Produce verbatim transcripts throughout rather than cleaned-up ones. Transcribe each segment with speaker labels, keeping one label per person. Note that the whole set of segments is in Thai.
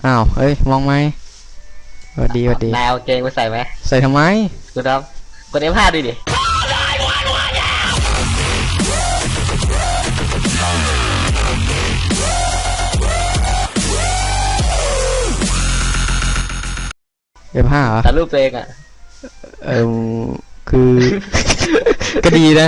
Speaker 1: อ้าวเฮ้ยมองไหมสวัสดีสวัสดี
Speaker 2: นายเอาเกงไปใส่ไหม
Speaker 1: ใส่ทำไม
Speaker 2: กดครับกด เอฟ ห้า ดูดิ
Speaker 1: เอฟห้าเหรอ
Speaker 2: แต่รูปตัวเองอ่ะ
Speaker 1: เออคือ ก็ดีนะ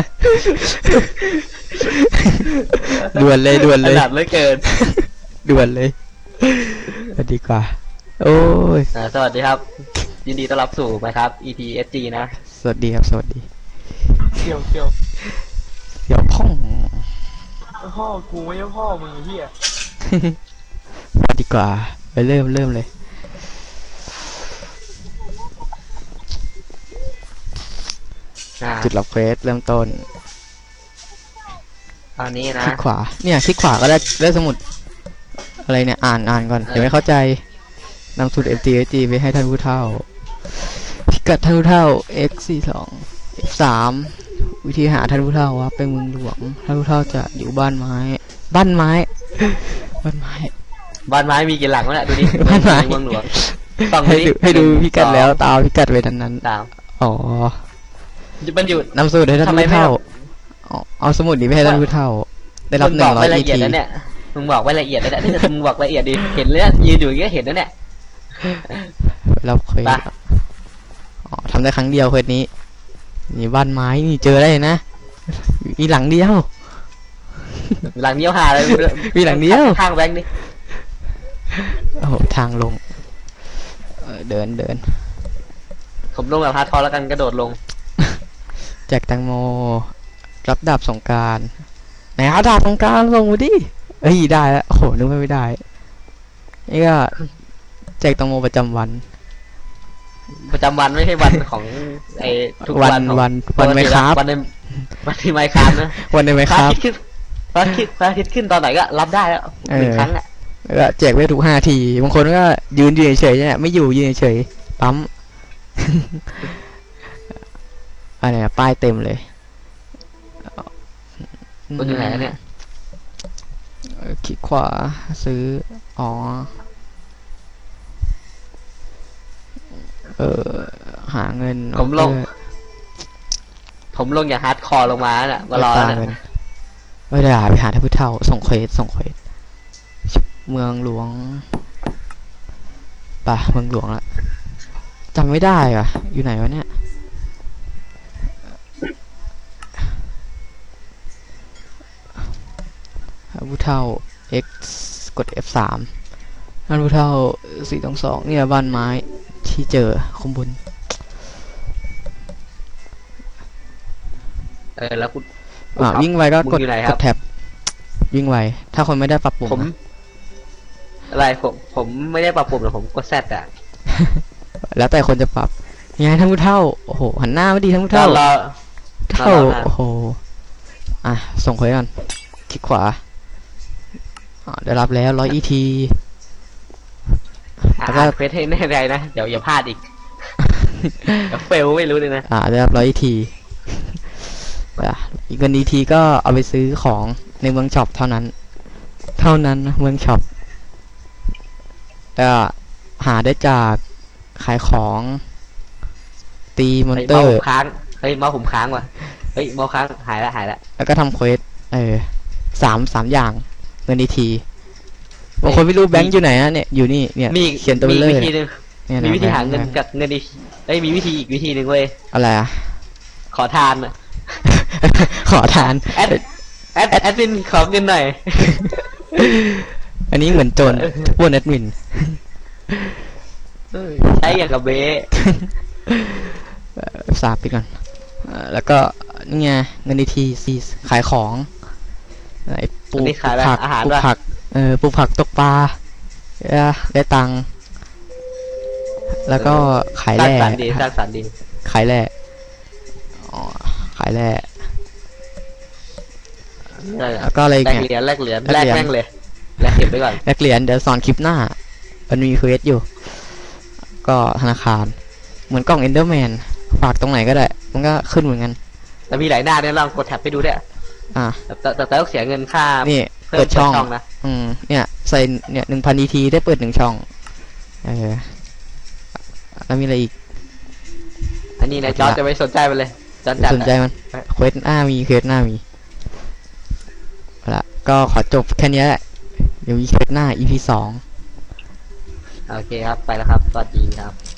Speaker 1: ด่วนเลยด่วนเลย
Speaker 2: ขนาดเลยเกิน
Speaker 1: ด่วนเลยดีกว่าโอ้ย
Speaker 2: สวัสดีครับยินดีต้อนรับสู่ไหมครับ อี ที เอส จี นะ
Speaker 1: สวัสดีครับสวัสดี
Speaker 3: เสี่ยวเสี่ยว
Speaker 1: เสี่ยวพ่อง
Speaker 3: พ่อกูไม่ใช่พ่อมึงเฮีย
Speaker 1: มาดีกว่าไปเริ่มเริ่มเลยจุดรับเควสเริ่มต้น
Speaker 2: ตอนนี้นะ
Speaker 1: คลิกขวาเนี่ยคลิกขวาก็ได้ได้สมุดอะไรเนี่ยอ่านอ่านก่อนเดี๋ยวไม่เข้าใจนำสูตร เอ็ม ที เอส จี ไปให้ท่านผู้เฒ่าพิกัดท่านผู้เฒ่า x สี่สิบสอง f สามวิธีหาท่านผู้เฒ่าว่าไปเมืองหลวงท่านผู้เฒ่าจะอยู่บ้านไม้บ้านไม้บ้านไม้
Speaker 2: บ้านไม้มีกี่หลังวะเนี่ยดูดิ
Speaker 1: บ้านไม้
Speaker 2: เมืองหลวงต้อง
Speaker 1: ให้ดูให้ดูพิกัดแล้วตามพิกัดไว้นั้นนั้น
Speaker 2: ตาม
Speaker 1: อ๋อ
Speaker 2: มันอยู่
Speaker 1: นำสูตรให้ท่านผู้เฒ่าเอาสมุดนี้ไปให้ท่านผู้เฒ่าได้รับหนึ่งร้อย อี ที
Speaker 2: เนี่ยมึงบอกไว้ละเอียดเลยนะนี่มึงบอกละเอียดดิเห็นเลยยืนอยู่อย่างเงี้ยเห็นแล้วเนี่ย
Speaker 1: เราเคยอ๋อทำได้ครั้งเดียวเควสนี้นี่บ้านไม้นี่เจอได้นะมีหลังเดียว
Speaker 2: หลังเดียวหาเลย
Speaker 1: มีหลังเดียว
Speaker 2: ทางแบงค์นี่
Speaker 1: โอ้โหทางลงเดินเดิน
Speaker 2: ผมลงแบบฮาร์ดคอร์แล้วกันกระโดดลง
Speaker 1: แจกแตงโมรับดาบสงกรานต์ไหนหาดาบสงกรานต์ลงมาดิเอ้ยได้แล้วโอ้โหนึกไม่ได้นี่ก็แจกแตงโมประจำวัน
Speaker 2: ประจำวันไม่ใช่วันของไอ้ทุกวัน
Speaker 1: วันวันไม่ครับ
Speaker 2: วันในวันที่ไม่ครับนะ
Speaker 1: วันในไม่ครับ
Speaker 2: พระอาทิตย์พระอาทิตย์ขึ้นตอนไหนก็รับได้แล้วหนึ่งครั้งอ่ะ
Speaker 1: ก็แจกไว้ทุกห้าทีบางคนก็ยืนยืนเฉยเนี่ยไม่อยู่ยืนเฉยปั๊มอะไรนะป้ายเต็มเลย
Speaker 2: มันอยู่ไหนเนี่ย
Speaker 1: คลิกขวาซื้ออ๋อเออหาเงิน
Speaker 2: ผมลงผมลงอย่างฮาร์ดคอร์ลงมาน่ะมารอน่ะ
Speaker 1: ไม่ได้ไปหาท่านผู้เฒ่าส่งเควสส่งเควสเมืองหลวงป่ะเมืองหลวงละจำไม่ได้อ่ะอยู่ไหนวะเนี่ยผู้เฒ่า x กด เอฟ สาม ท่านผู้เฒ่าสี่สองสองเนี่ยบ้านไม้ที่เจอข้างบน
Speaker 2: เออแล้วคุณ
Speaker 1: อ่าวิ่งไวก็กดกดแท็บวิ่งไวถ้าคนไม่ได้ปรับปุ่ม
Speaker 2: ผมอะไรผมผมไม่ได้ปรับปุ่มหรอกผมกดแซดอ่ะ
Speaker 1: แล้วแต่คนจะปรับยังไงท่านผู้เฒ่าโอ้โหหันหน้าไม่ดีท่านผู้เฒ่าเฒ่าโอ้โหอ่ะส่งเควสก่อนคลิกขวาได้รับแล้วร้อย อี ที
Speaker 2: แล้วก็เควสให้แน่ใจนะเดี๋ยวอย่าพลาดอีกเฟลไม่รู้เลยนะ
Speaker 1: อ่าได้รับร้อย อี ทีอีกเงิน อี ทีก็เอาไปซื้อของในเมืองช็อปเท่านั้นเท่านั้นเมืองช็อปแล้วหาได้จากขายของตีมอนเตอร์
Speaker 2: ค้างเฮ้ยเมาส์ผมค้างว่ะเฮ้ยเมาส์ค้างหายละหายละ
Speaker 1: แล้วก็ทำเควสเออสามสามอย่างเงิน อี ทีบางคนไม่รู้แบงค์อยู่ไหนนะเนี่ยอยู่นี่เนี่ยเขียนตัวเลข
Speaker 2: มีวิธีนึงมีวิธีหาเงินกับเงินดีเอ้ยมีวิธีอีกวิธีหนึ่งเว้ย
Speaker 1: อะไรอ่ะ
Speaker 2: ขอทานอ่ะ
Speaker 1: ขอทาน
Speaker 2: แอดแอดแอดมินขอเงินหน่อย
Speaker 1: อันนี้เหมือนโจรปล้นแอดมิน
Speaker 2: ใช้อย่างกับเบ้
Speaker 1: สาบไปก่อนแล้วก็นี่ไงเงิน อี ทีซีขายของไอ้ปลูกผักปลูกผักเออปลูกผักตกปลาได้ตังค์แล้วก็ขายแร่
Speaker 2: สร้างสรรค์ดีสร้างสรรค์ดี
Speaker 1: ขายแร่อ๋อขายแร่แล้วก็อะไร
Speaker 2: เนี่ยแลกเหรียญแลกเหรียญแลกแม่งเลยแลกเก็บไว้ก่อน
Speaker 1: แลกเหรียญเดี๋ยวสอนคลิปหน้ามันมีเควสอยู่ก็ธนาคารเหมือนกล่องเอนเดอร์แมนฝากตรงไหนก็ได้มันก็ขึ้นเหมือนกัน
Speaker 2: แต่มีหลายหน้าเนี่ยลองกดแท็บไปดูได้
Speaker 1: อ่า
Speaker 2: แต่แต่แต่ต้องเสียเงินค่า
Speaker 1: นี่เปิดช่องนะอืมเนี่ยใส่เนี่ยหนึ่งพัน อี ทีได้เปิดหนึ่งช่องเออแล้วมีอะไรอีก
Speaker 2: อันนี้นะจอร์จจะไม่สนใจมันเลยจอร์จจัด
Speaker 1: สนใจมันเควสหน้ามีเควสหน้ามีเอาละก็ขอจบแค่นี้แหละเดี๋ยวมีเควสหน้า อี พี สอง
Speaker 2: โอเคครับไปแล้วครับสวัสดีครับ